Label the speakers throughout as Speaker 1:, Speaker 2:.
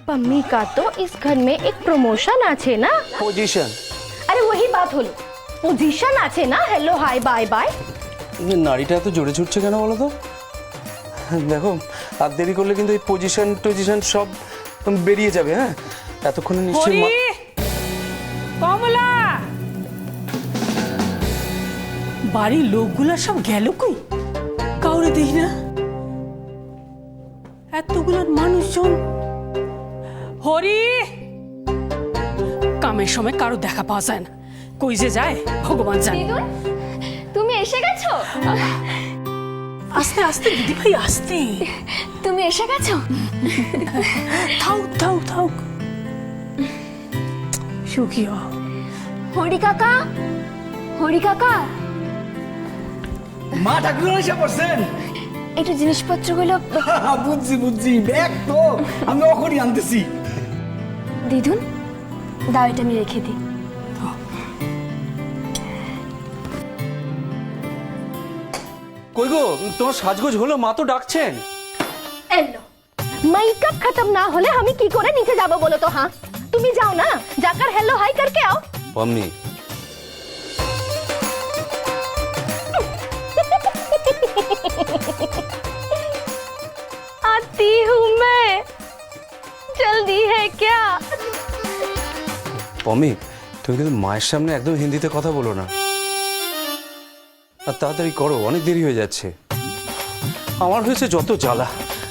Speaker 1: पम्मी का तो इस घर में एक प्रमोशन आछे ना।
Speaker 2: पोजीशन।
Speaker 1: अरे वही बात হলো पोजीशन आछे ना। Hello hi bye bye.
Speaker 2: নাড়িটা এত জোরে ছুটছে কেন বলো তো? দেখো আর দেরি করলে কিন্তু এই পজিশন সব বেরিয়ে যাবে। হ্যাঁ এতক্ষণে নিশ্চয়ই
Speaker 3: কমলা বাড়ির লোকগুলা সব গেল কই? কাউরে দেখি না। এতগুলো মানুষজন। হরি কামের সময় কারো দেখা পাওয়া যায় না, কই যে যায় ভগবান জানে।
Speaker 4: তুমি এসে গেছো?
Speaker 3: আস্তে আস্তে দিদি ভাই আস্তে।
Speaker 4: তুমি এসে গেছো?
Speaker 3: থাও সুখী হও।
Speaker 4: হরি কাকা, হরি কাকা
Speaker 5: মা ঠাকুর এসে পড়ছেন।
Speaker 4: একটু জিনিসপত্রগুলো
Speaker 5: বুঝছি ব্যাগ তো আমি ওখানে আনতেছি।
Speaker 4: দিদুন দাও, এটা আমি রেখে দিই।
Speaker 2: কই গো তোমার সাজগোজ হলো? মা তো ডাকছেন।
Speaker 1: এলো মেকআপ खत्म না হলে আমি কি করে নিচে যাব বলো তো? হ্যাঁ তুমি যাও না, जाकर हेलो हाय करके आओ।
Speaker 2: পাম্মি
Speaker 1: आती हूँ मैं, जल्दी है क्या?
Speaker 2: পাম্মি তুমি কিন্তু মায়ের সামনে একদম হিন্দিতে কথা বলো না। আর তাড়াতাড়ি করো, অনেক দেরি হয়ে যাচ্ছে। আমার হয়েছে যত জ্বালা।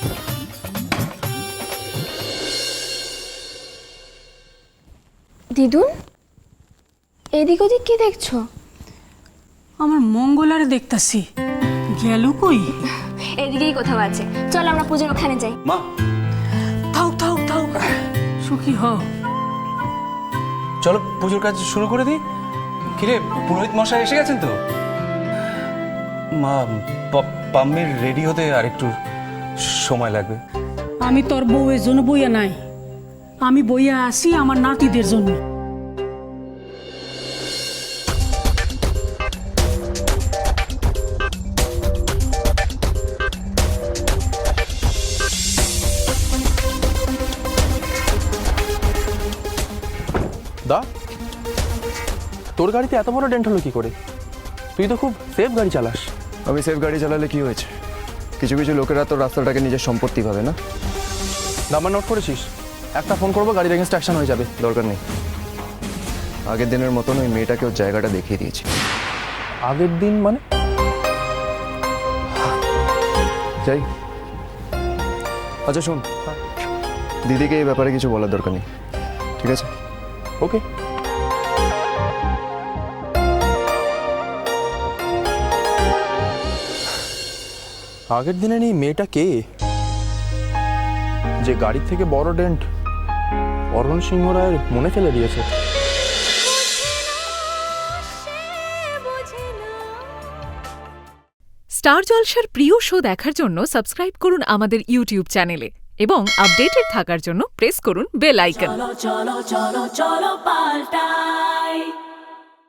Speaker 4: দিদুন এদিক ওদিক কি দেখছো?
Speaker 3: আমার মঙ্গলারে দেখতাছি, গেল কই?
Speaker 4: এদিকেই কোথাও আছে, চল আমরা পুজোর ওখানে যাই।
Speaker 2: মা
Speaker 3: থাও সুখী হও।
Speaker 2: চলো পুজোর কাজ শুরু করে দিই। কিরে পুরোহিত মশাই এসে গেছেন তো? মা পাম্মির রেডি হতে আর একটু সময় লাগবে।
Speaker 3: আমি তোর বউয়ের জন্য বইয়া নাই, আমি বইয়া আসি আমার নাতিদের জন্য।
Speaker 6: দা তোর গাড়িতে এত বড় ডেন্ট হলো কি করে? তুই তো খুব সেফ গাড়ি চালাস।
Speaker 7: আমি সেফ গাড়ি চালালে কি হয়েছে? কিছু কিছু লোকেরা তো রাস্তাটাকে নিজের সম্পত্তি ভাবে না।
Speaker 6: নাম্বার নোট করেছিস? একটা ফোন করবো, গাড়ির এগেন্স্ট অ্যাকশন হয়ে যাবে।
Speaker 7: দরকার নেই, আগের দিনের মতন ওই মেয়েটাকে ওর জায়গাটা দেখিয়ে দিয়েছি।
Speaker 6: আগের দিন মানে?
Speaker 7: যাই। আচ্ছা শোন, দিদিকে এই ব্যাপারে কিছু বলার দরকার নেই, ঠিক আছে?
Speaker 6: ওকে। আগের দিনে নেই মেয়েটা কে, যে গাড়ির থেকে বড় ডেন্ট অরুণ সিংহ রায়ের মনে ফেলে দিয়েছে?
Speaker 8: স্টার জলসার প্রিয় শো দেখার জন্য সাবস্ক্রাইব করুন আমাদের ইউটিউব চ্যানেলে এবং আপডেটেড থাকার জন্য প্রেস করুন বেল আইকন।
Speaker 3: চলো পাল্টাই।